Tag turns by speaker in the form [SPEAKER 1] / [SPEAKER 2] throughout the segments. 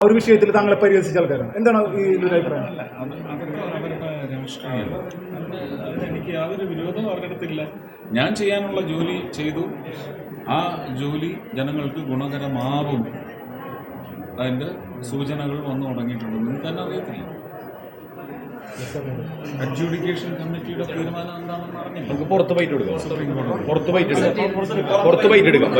[SPEAKER 1] ഒരു വിഷയത്തിൽ താങ്കളെ പരിഹസിച്ച ആൾക്കാരാണ്. എന്താണ് ഈ അഭിപ്രായം?
[SPEAKER 2] അതൊക്കെ അവരുടെ രാഷ്ട്രീയം. അതിനെനിക്ക് യാതൊരു വിരോധവും അവരുടെ അടുത്തില്ല. ഞാൻ ചെയ്യാനുള്ള ജോലി ചെയ്തു. ആ ജോലി ജനങ്ങൾക്ക് ഗുണകരമാവും. അതിൻ്റെ സൂചനകൾ വന്നു തുടങ്ങിയിട്ടുണ്ട്. നിങ്ങൾക്ക് തന്നെ അറിയത്തില്ല. അഡ്ജുഡിക്കേഷൻ കമ്മിറ്റിയുടെ തീരുമാനം എന്താണെന്ന് അറിഞ്ഞില്ല.
[SPEAKER 3] നമുക്ക് പുറത്ത് ബൈറ്റ് എടുക്കാം.
[SPEAKER 2] സുപ്രീം കോടതി
[SPEAKER 3] പുറത്ത് ബൈറ്റ് എടുക്കാം.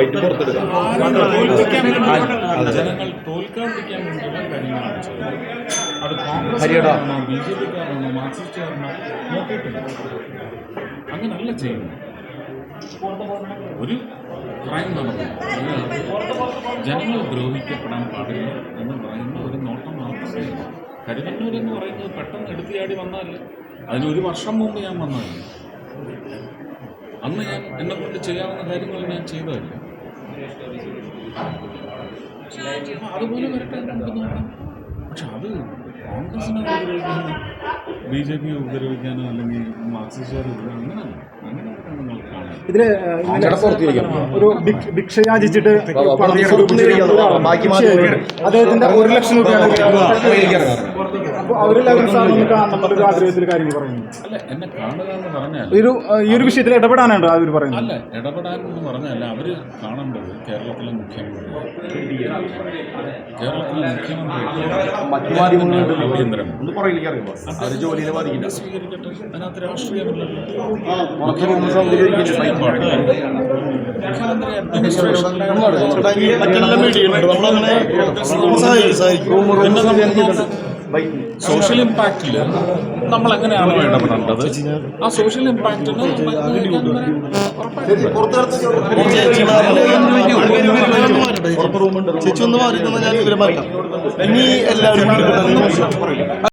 [SPEAKER 2] ജനങ്ങൾ തോൽക്കാതിരിക്കാൻ വേണ്ടിയുള്ള കാര്യങ്ങളാണ് ചെയ്യുന്നത്. അത് കോൺഗ്രസ്കാരാണോ BJP-ക്കാരാണോ മാർക്സിസ്റ്റുകാരാണോ നോക്കിയിട്ടില്ല. അങ്ങനല്ല ചെയ്യുന്നത്. ഒരു ക്രൈം നടന്നു, ജനങ്ങൾ ദ്രോഹിക്കപ്പെടാൻ പാടില്ല എന്ന് പറയുന്ന ഒരു നോട്ടം മാത്രമേ. കരുവന്നൂർ എന്ന് പറയുന്നത് പെട്ടെന്ന് എടുത്തിയാടി വന്നാലേ. അതിനൊരു വർഷം മുമ്പ് ഞാൻ വന്നതല്ല. അന്ന് ഞാൻ എന്നെക്കൊണ്ട് ചെയ്യാവുന്ന കാര്യങ്ങൾ ഞാൻ ചെയ്തതല്ല. അതുപോലെ വരട്ടെ, നമുക്ക് നോക്കാം. പക്ഷെ അത് കോൺഗ്രസിനെ ഉപദ്രവിക്കാനോ BJP ഉപദ്രവിക്കാനോ അല്ലെങ്കിൽ മാർക്സിസ്റ്റുകാർ അങ്ങനെയല്ല.
[SPEAKER 1] ഇതില് ഒരു ഭിക്ഷ യാചിച്ചിട്ട് അദ്ദേഹത്തിന്റെ 1 ലക്ഷം രൂപയാണ്. അപ്പോൾ അവരെല്ലാവരും സാറിന് കാണുന്ന ആഗ്രഹത്തിൽ കാര്യങ്ങൾ പറയുന്നു.
[SPEAKER 2] അല്ല, എന്നെ കാണുക എന്ന് പറഞ്ഞാൽ
[SPEAKER 1] ഈ ഒരു വിഷയത്തിൽ ഇടപെടാനാണ് അവർ പറയുന്നത്.
[SPEAKER 2] അല്ല, ഇടപെടാൻ എന്ന് പറഞ്ഞല്ല. അവർ കാണേണ്ടത് കേരളത്തിലെ മുഖ്യമന്ത്രി സ്വീകരിക്കട്ടെ. അതിനകത്ത് രാഷ്ട്രീയമില്ലല്ലോ. സോഷ്യൽ ഇമ്പാക്റ്റിൽ നമ്മൾ എങ്ങനെയാണോ ഇടപെടേണ്ടത്, ആ സോഷ്യൽ ഇമ്പാക്റ്റിന്
[SPEAKER 4] ചേച്ചി ഒന്ന് മാറി ഞാൻ ഇവരെ മാറ്റാം. ഇനി എല്ലാവരും